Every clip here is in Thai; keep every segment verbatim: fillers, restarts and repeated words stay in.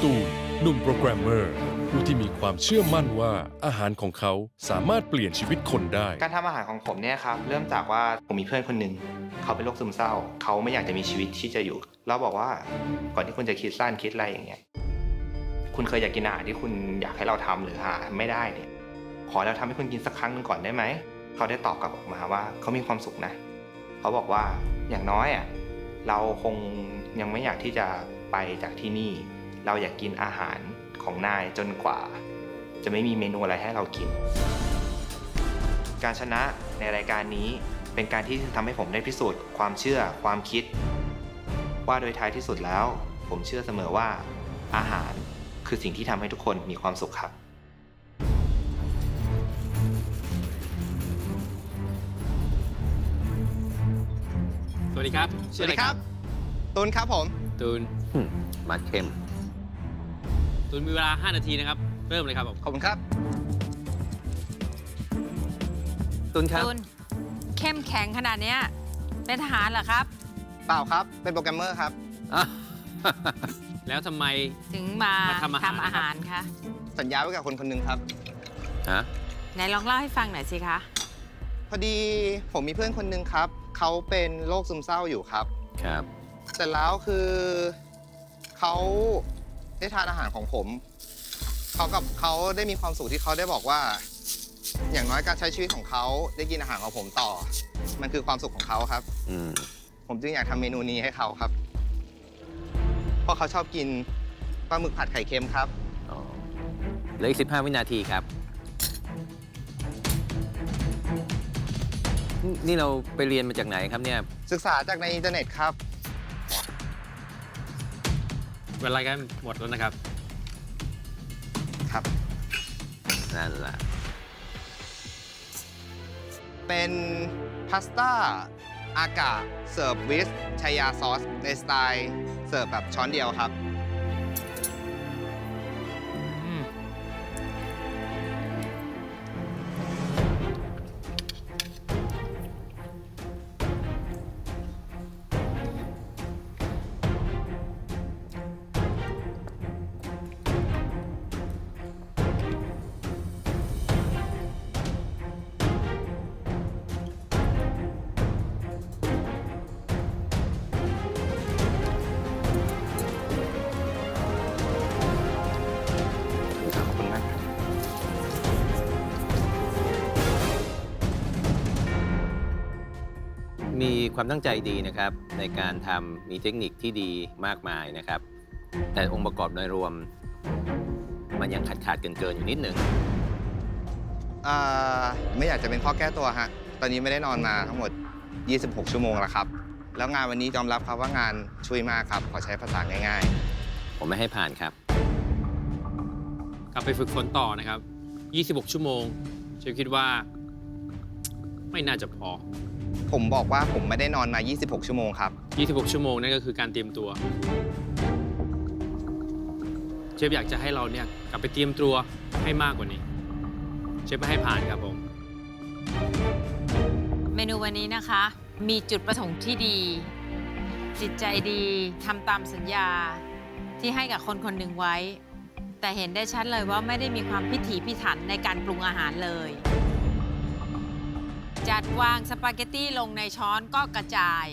ตูนหนุ่มโปรแกรมเมอร์ผู้ที่มีความเชื่อมั่นว่าอาหารของเขาสามารถเปลี่ยนชีวิตคนได้การทำอาหารของผมเนี่ยครับเริ่มจากว่าผมมีเพื่อนคนหนึ่งเขาเป็นโรคซึมเศร้าเขาไม่อยากจะมีชีวิตที่จะอยู่เราบอกว่าก่อนที่คุณจะคิดสั้นคิดอะไรอย่างเงี้ยคุณเคยอยากกินอาหารที่คุณอยากให้เราทำหรือหาไม่ได้เนี่ยขอเราทำให้คุณกินสักครั้งหนึ่งก่อนได้ไหมเขาได้ตอบกลับออกมาว่าเขามีความสุขนะเขาบอกว่าอย่างน้อยอ่ะเราคงยังไม่อยากที่จะไปจากที่นี่เราอยากกินอาหารของนายจนกว่าจะไม่มีเมนูอะไรให้เรากินการชนะในรายการนี้เป็นการที่ทำให้ผมได้พิสูจน์ความเชื่อความคิดว่าโดยท้ายที่สุดแล้วผมเชื่อเสมอว่าอาหารคือสิ่งที่ทำให้ทุกคนมีความสุขครับสวัสดีครับสวัสดีครับตูนครับผมตูนมาเข้มตูนมีเวลาห้านาทีนะครับเริ่มเลยครับผมขอบคุณครับตุนครับตูนเข้มแข็งขนาดเนี้ยเป็นทหารเหรอครับเปล่าครับเป็นโปรแกรมเมอร์ครับแล้วทำไมถึงมามาทำอาหารทำอาหารคะสัญญาไว้กับคนคนหนึ่งครับฮะไหนลองเล่าให้ฟังหน่อยสิคะพอดีผมมีเพื่อนคนหนึ่งครับเขาเป็นโรคซึมเศร้าอยู่ครับครับเสร็จแล้วคือเขาได้ทานอาหารของผมเขากับเขาได้มีความสุขที่เขาได้บอกว่า อย่างน้อยการใช้ชีวิตของเขาได้กินอาหารของผมต่อ มันคือความสุขของเขาครับอืมผมจึงอยากทำเมนูนี้ให้เขาครับ เพราะเขาชอบกินปลาหมึกผัดไข่เค็มครับอ๋อเหลืออีกสิบห้าวินาทีครับ นี่นี่เราไปเรียนมาจากไหนครับเนี่ยศึกษาจากในอินเทอร์เน็ตครับเวลากันหมดแล้วนะครับครับนั่นแหละเป็นพาสต้าอากาเสิร์ฟวิสชายาซอสในสไตล์เสิร์ฟแบบช้อนเดียวครับ ขอบคุณมากครับมีความตั้งใจดีนะครับ ในการทำมีเทคนิคที่ดีมากมายนะครับ แต่องค์ประกอบโดยรวม มันยังขาดขาดเกินเกินๆอยู่นิดหนึ่งอ่าไม่อยากจะเป็นข้อแก้ตัวฮะ ตอนนี้ไม่ได้นอนมาทั้งหมด ยี่สิบหก ชั่วโมงแล้วครับ แล้วงานวันนี้ยอมรับครับว่างานช่วยมากครับ ขอใช้ภาษาง่ายผมไม่ให้ผ่านครับกลับไปฝึกฝนต่อนะครับ ยี่สิบหก ชั่วโมงเชฟคิดว่าไม่น่าจะพอๆ ผมบอกว่าผมไม่ได้นอนมา ยี่สิบหก ชั่วโมงครับยี่สิบหก ชั่วโมงนั่นก็คือการเตรียมตัว เชฟอยากจะให้เราเนี่ยกลับไปเตรียมตัวให้มากกว่านี้ เชฟไม่ให้ผ่านครับผมเมนูวันนี้นะคะ มีจุดประสงค์ที่ดี จิตใจดีทำตามสัญญาที่ให้กับคนคนหนึ่งไว้ แต่เห็นได้ชัดเลยว่าไม่ได้มีความพิถีพิถันในการปรุงอาหารเลย จัดวางสปาเกตตี้ลงในช้อนก็กระจาย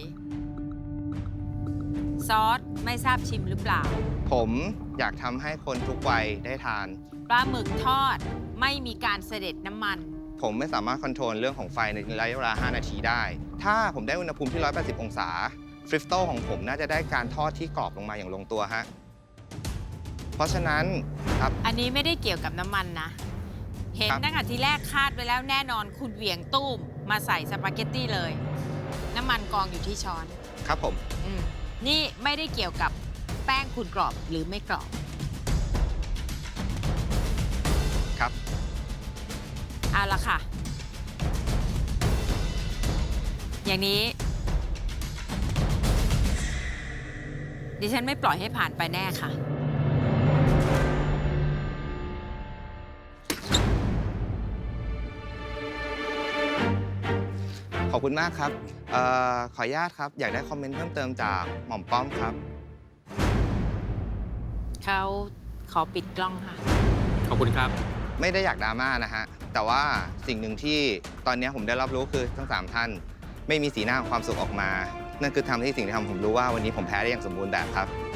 ซอสไม่ทราบชิมหรือเปล่าผมอยากทำให้คนทุกวัยได้ทานปลาหมึกทอดไม่มีการเสด็จน้ำมันผมไม่สามารถคอนโทรลเรื่องของไฟในระยะเวลา ห้า นาทีได้ ถ้าผมได้อุณหภูมิที่ หนึ่งร้อยแปดสิบ องศา ฟริฟโตของผมน่าจะได้การทอดที่กรอบลงมาอย่างลงตัวฮะ เพราะฉะนั้นครับอันนี้ไม่ได้เกี่ยวกับน้ำมันนะ เห็นครับตั้งแต่ทีแรกคาดไว้แล้วแน่นอนคุณเหวี่ยงตุ้มมาใส่สปาเกตตี้เลย น้ำมันกองอยู่ที่ช้อนครับผมอมนี่ไม่ได้เกี่ยวกับแป้งคุณกรอบหรือไม่กรอบครับเอาละค่ะ อย่างนี้ ดิฉันไม่ปล่อยให้ผ่านไปแน่ค่ะขอบคุณมากครับเอ่อขออนุญาตครับ อยากได้คอมเมนต์เพิ่มเติมจากหม่อมป้อมครับเขาขอปิดกล้องค่ะขอบคุณครับไม่ได้อยากดราม่านะฮะ แต่ว่าสิ่งหนึ่งที่ตอนนี้ผมได้รับรู้คือทั้งสามท่านไม่มีสีหน้าของความสุขออกมา นั่นคือทำให้สิ่งที่ทำผมรู้ว่าวันนี้ผมแพ้ได้อย่างสมบูรณ์แบบครับ